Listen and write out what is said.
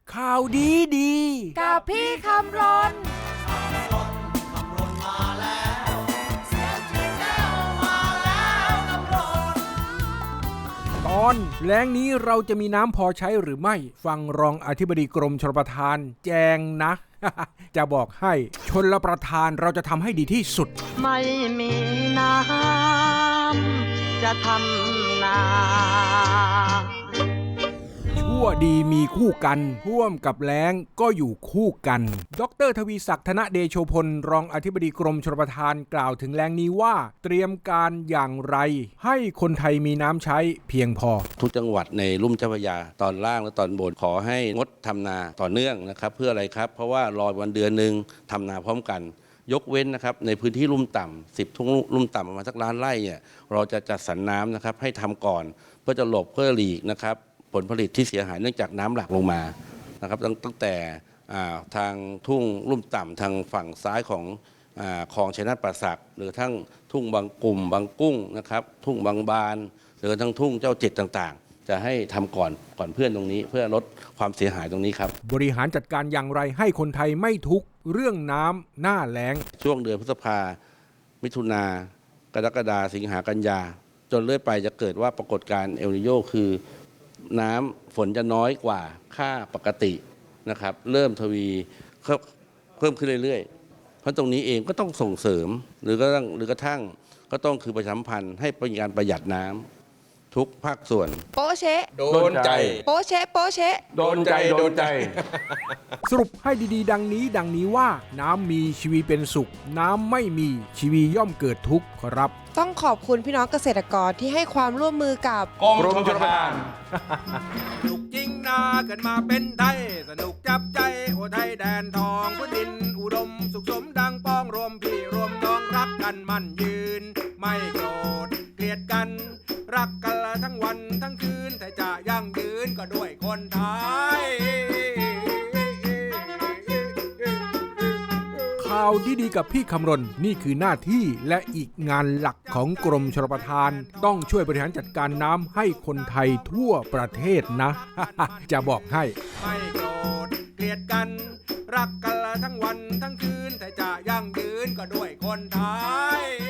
ข่าวดีดีกับพี่คำรนตอนแล้งนี้เราจะมีน้ำพอใช้หรือไม่ฟังรองอธิบดีกรมชลประทานแจงนะ จะบอกให้ชลประทานเราจะทำให้ดีที่สุดไม่มีน้ำจะทำนาชั่วดีมีคู่กันท่วมกับแล้งก็อยู่คู่กันดร.ทวีศักดิ์ธนเดโชพลรองอธิบดีกรมชลประทานกล่าวถึงแล้งนี้ว่าเตรียมการอย่างไรให้คนไทยมีน้ำใช้เพียงพอทุกจังหวัดในลุ่มเจ้าพระยาตอนล่างและตอนบนขอให้งดทำนาต่อเนื่องนะครับเพื่ออะไรครับเพราะว่ารอวันเดือนนึงทำนาพร้อมกันยกเว้นนะครับในพื้นที่ลุ่มต่ำ10 ทุ่งลุ่มต่ำประมาณสักล้านไร่เนี่ยเราจะจัดสรรน้ำนะครับให้ทำก่อนเพื่อจะหลบเพื่อหลีกนะครับผลผลิตที่เสียหายเนื่องจากน้ำหลากลงมานะครับตั้งแต่ทางทุ่งลุ่มต่ำทางฝั่งซ้ายของคลองชัยนาทป่าสักหรือทั้งทุ่งบางกลุ่มบางกุ้งนะครับทุ่งบางบานหรือทั้งทุ่งเจ้าเจ็ดต่างๆจะให้ทำก่อนเพื่อนตรงนี้เพื่อลดความเสียหายตรงนี้ครับบริหารจัดการอย่างไรให้คนไทยไม่ทุกข์เรื่องน้ำหน้าแล้งช่วงเดือนพฤษภามิถุนากรกฎาสิงหากันยาจนเรื่อยไปจะเกิดว่าปรากฏการณ์เอลนิโญคือน้ำฝนจะน้อยกว่าค่าปกตินะครับเริ่มทวีเพิ่มขึ้นเรื่อยๆเพราะตรงนี้เองก็ต้องส่งเสริมหรือกระทั่งก็ต้องคือประชาสัมพันธ์ให้เป็นการประหยัดน้ำทุกภาคส่วนโป๊ะเชะโดนใจโป๊ะเชะโป๊ะเชะโดนใจสรุปให้ดีๆดังนี้ว่าน้ำมีชีวิตเป็นสุขน้ำไม่มีชีวิตย่อมเกิดทุกข์ครับต้องขอบคุณพี่น้องเกษตรกรที่ให้ความร่วมมือกับกรมชลประทานสนุกจริงนาเกิดมาเป็นไทยสนุกจับใจโอไทยแดนทองพื้นดินอุดมสุขสมดังป้องรวมพี่รวมน้องรักกันมั่นยืนไม่โกรธเกลียดกันรักกันละทั้งวันทั้งคืนแต่จะยั่งยืนก็ด้วยคนไทยข่าวดีๆกับพี่คำรณนี่คือหน้าที่และอีกงานหลักของกรมชลประทานต้องช่วยบริหารจัดการน้ำให้คนไทยทั่วประเทศนะ จะบอกให้ไม่โกรธเกลียดกันรักกันละทั้งวันทั้งคืนแต่จะยั่งยืนก็ด้วยคนไทย